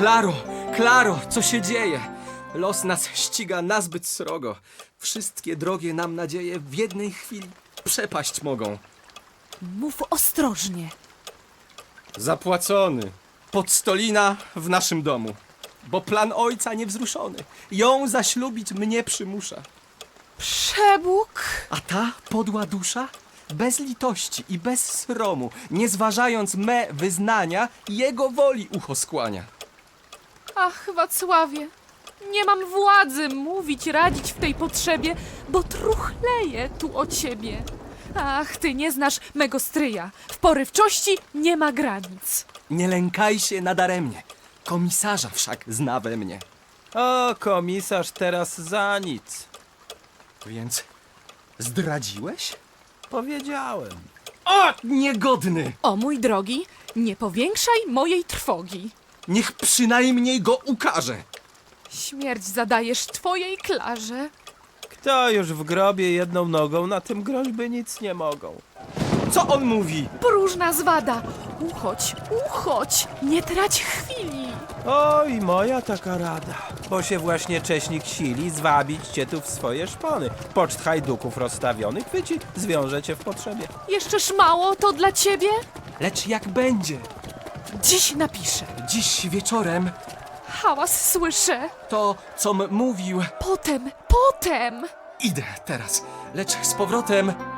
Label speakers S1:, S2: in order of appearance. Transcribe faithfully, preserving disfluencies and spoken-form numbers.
S1: Klaro, Klaro, co się dzieje? Los nas ściga nazbyt srogo. Wszystkie drogie nam nadzieje w jednej chwili przepaść mogą.
S2: Mów ostrożnie.
S1: Zapłacony. Podstolina w naszym domu. Bo plan ojca niewzruszony. Ją zaślubić mnie przymusza.
S2: Przebóg?
S1: A ta podła dusza? Bez litości i bez sromu, nie zważając me wyznania, jego woli ucho skłania.
S2: Ach, Wacławie, nie mam władzy mówić, radzić w tej potrzebie, bo truchleję tu o ciebie. Ach, ty nie znasz mego stryja. W porywczości nie ma granic.
S1: Nie lękaj się nadaremnie. Komisarza wszak zna we mnie.
S3: O, komisarz teraz za nic.
S1: Więc zdradziłeś?
S3: Powiedziałem.
S1: O, niegodny!
S2: O mój drogi, nie powiększaj mojej trwogi.
S1: Niech przynajmniej go ukaże.
S2: Śmierć zadajesz twojej Klarze.
S3: Kto już w grobie jedną nogą, na tym groźby nic nie mogą.
S1: Co on mówi?
S2: Próżna zwada. Uchodź, uchodź, nie trać chwili.
S3: Oj, moja taka rada. Bo się właśnie cześnik sili zwabić cię tu w swoje szpony. Poczt hajduków rozstawionych chwyci, zwiąże cię w potrzebie.
S2: Jeszcze mało to dla ciebie?
S1: Lecz jak będzie?
S2: Dziś napiszę.
S1: Dziś wieczorem
S2: Hałas słyszę.
S1: to, com mówił,
S2: Potem, potem.
S1: idę teraz. Lecz z powrotem